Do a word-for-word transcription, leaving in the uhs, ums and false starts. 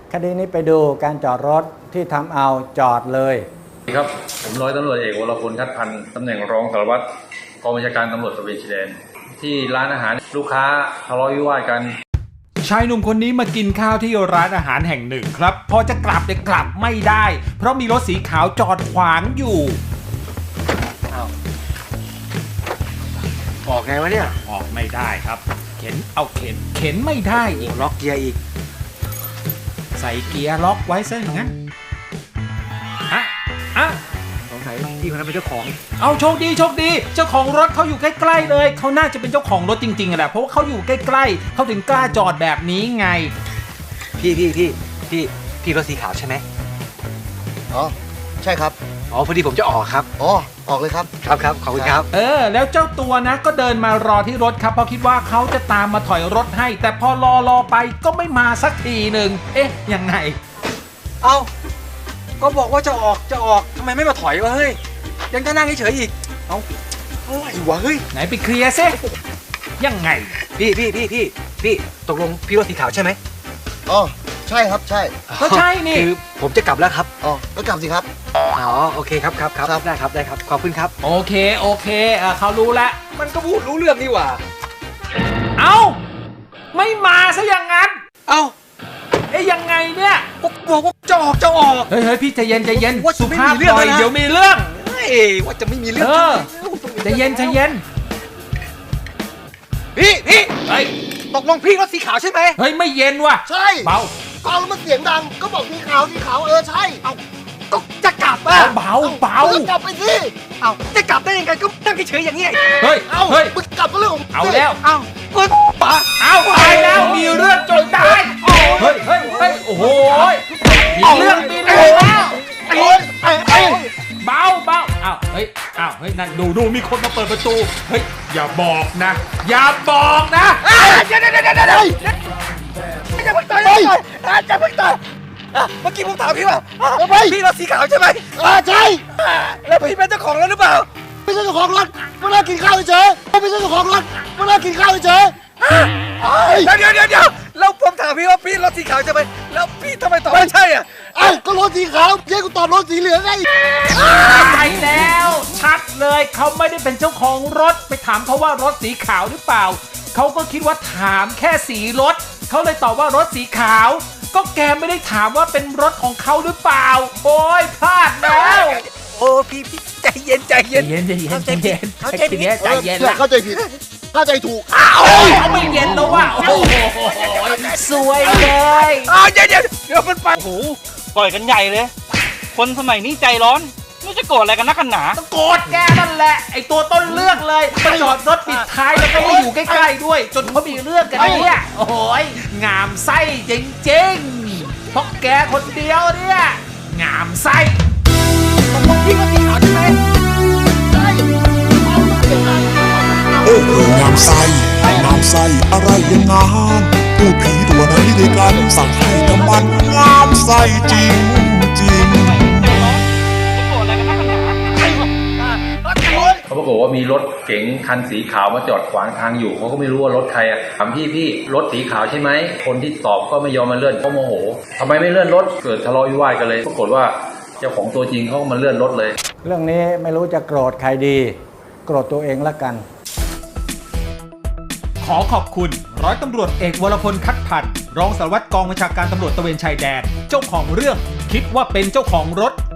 คดีนี้ไปดูการจอดรถที่ทำเอาจอดเลยครับผมร้อยตำรวจเอกวรพลทัดพันธ์ตำแหน่งรองสารวัตรกองบัญชาการตำรวจตระเวนชายแดนที่ร้านอาหารลูกค้าทะเลาะวิวาทกันชายหนุ่มคนนี้มากินข้าวที่ร้านอาหารแห่งหนึ่งครับพอจะกลับแต่กลับไม่ได้เพราะมีรถสีขาวจอดขวางอยู่ออกไงวะเนี่ยออกไม่ได้ครับเข็นเอาเข็นเข็นไม่ได้อีกล็อกเกียร์อีกใส่เกียร์ล็อกไว้ซะอย่างนั้นอะอะสงสัยพี่คนนั้นเป็นเจ้าของเอาโชคดีโชคดีเจ้าของรถเขาอยู่ใกล้ๆเลยเขาน่าจะเป็นเจ้าของรถจริงๆแหละเพราะว่าเขาอยู่ใกล้ๆเขาถึงกล้าจอดแบบนี้ไงพี่พี่พี่พี่พี่รถสีขาวใช่ไหมอ๋อใช่ครับอ๋อพอดีผมจะออกครับอ๋อออกเลยครับครับครับขอบคุณครับเออแล้วเจ้าตัวนะก็เดินมารอที่รถครับเพราะคิดว่าเขาจะตามมาถอยรถให้แต่พอรอรอไปก็ไม่มาสักทีหนึ่งเอ๊ะยังไงเอ้าก็บอกว่าจะออกจะออกทำไมไม่มาถอยวะเฮ้ยยังจะนั่งเฉยๆอีกเอ้าอะไรวะเฮ้ยไหนไปเคลียร์ซิยังไงพี่พี่พี่พี่พี่ตกลงพี่รถสีขาวใช่ไหมอ๋อใช่ครับใช่ก็ใช่นี่คือผมจะกลับแล้วครับอ๋อก็กลับสิครับอ๋อโอเคครับครับครับได้ครับได้ครับขอบคุณครับโอเคโอเคเออเขารู้แล้วมันก็พูดรู้เรื่องนี่หว่าเอ้าไม่มาซะอย่างนั้นเอ้าเอ๊ยยังไงเนี่ยบอกว่าจะออกจะออกเฮ้ยเฮ้ยพี่ใจเย็นใจเย็นสุภาพหน่อยเดี๋ยวมีเรื่องเฮ้ยว่าจะไม่มีเรื่องเออใจเย็นใจเย็นพี่พี่เฮ้ยตกลงพี่รถสีขาวใช่ไหมเฮ้ยไม่เย็นว่ะใช่เบาฟังแล้วมันเสียงดังก็บอกสีขาวสีขาวเออใช่เอาก็จะกลับอ่ะเบาเบาก็กลับไปสิเอาจะกลับได้ยังไงก็นั่งเฉยๆอย่างนี้เฮ้ยเอาเฮ้ยมึงกลับก็เรื่องของเอาแล้วเอาก็ป๋าเอาไปแล้วมีเรื่องจนได้เฮ้ยเฮ้ยเฮ้ยโอ้โหมีเรื่องมีเรื่องแล้วไอ้ไอ้ไอ้เบาเบาอ้าวเฮ้ยอ้าวเฮ้ยนั่นดูดูมีคนมาเปิดประตูเฮ้ยอย่าบอกนะอย่าบอกนะเดี๋ยวเดี๋ยวเดี๋ยวเดี๋ยวจะเพิ่งต่อยจะเพิ่งต่อยเมื่อกี้ผมถามพี่ว่าพี่รถสีขาวใช่ไหมอ่าใช่แล้วพี่เป็นเจ้าของรถหรือเปล่าไม่ใช่เจ้าของรถมานั่งกินข้าวเฉยไม่ใช่เจ้าของรถมานั่งกินข้าวเฉยเดี๋ยวเดี๋ยวเดี๋ยวเดี๋ยวแล้วผมถามพี่ว่าพี่รถสีขาวใช่ไหมแล้วพี่ทำไมตอบไม่ใช่อ่ะไอ้ก็รถสีขาวเจ๊กูตอบรถสีเหลืองไงไปแล้วชัดเลยเขาไม่ได้เป็นเจ้าของรถไปถามเขาว่ารถสีขาวหรือเปล่าเขาก็คิดว่าถามแค่สีรถเขาเลยตอบว่ารถสีขาวก็แกไม่ได้ถามว่าเป็นรถของเขาหรือเปล่าโอ้ยพลาดแล้วโอ้พี่พี่ใจเย็นใจเย็นใจเย็นใจเย็นใจเย็นเข้าใจผิดใจเย็นละเข้าใจผิดเข้าใจถูกอ้าวเขาไม่เย็นแล้วว่ะโอ้โหสวยเลยอ้าวเดี๋ยวเดี๋ยวเดี๋ยวมันไปโอ้โหปล่อยกันใหญ่เลยคนสมัยนี้ใจร้อนไม่จะโกรธอะไรกันนักกันหนาโกรธแกนั่นแหละไอตัวต้นเรื่องเลยมาจอดรถปิดท้ายแล้วก็ไม่อยู่ใกล้ๆด้วยจนเขามีเรื่องกันเนี่ยโอ้ยงามไส้จริงๆเพราะแกคนเดียวเนี่ยงามไส้ตกลงพี่ก็สีขาวใช่ไหมโอ้โหงามไส้งามไส้อะไรยังงามพูดผีตัวนั้นที่ด้วยกันสั่งให้ทำมันงามไส้จริงจริงเขาปรากฏว่ามีรถเก๋งคันสีขาวมาจอดขวางทางอยู่เขาก็ไม่รู้ว่ารถใครอ่ะถามพี่พี่รถสีขาวใช่ไหมคนที่ตอบก็ไม่ยอมมาเลื่อนเขาโมโหทำไมไม่เลื่อนรถเกิดทะเลาะวิวาทกันเลยปรากฏว่าเจ้าของตัวจริงเขาก็มาเลื่อนรถเลยเรื่องนี้ไม่รู้จะโกรธใครดีโกรธตัวเองละกันขอขอบคุณร้อยตำรวจเอกวรพลทัดพันธ์รองสารวัตรกองบัญชาการตำรวจตระเวนชายแดนเจ้าของเรื่องคิดว่าเป็นเจ้าของรถ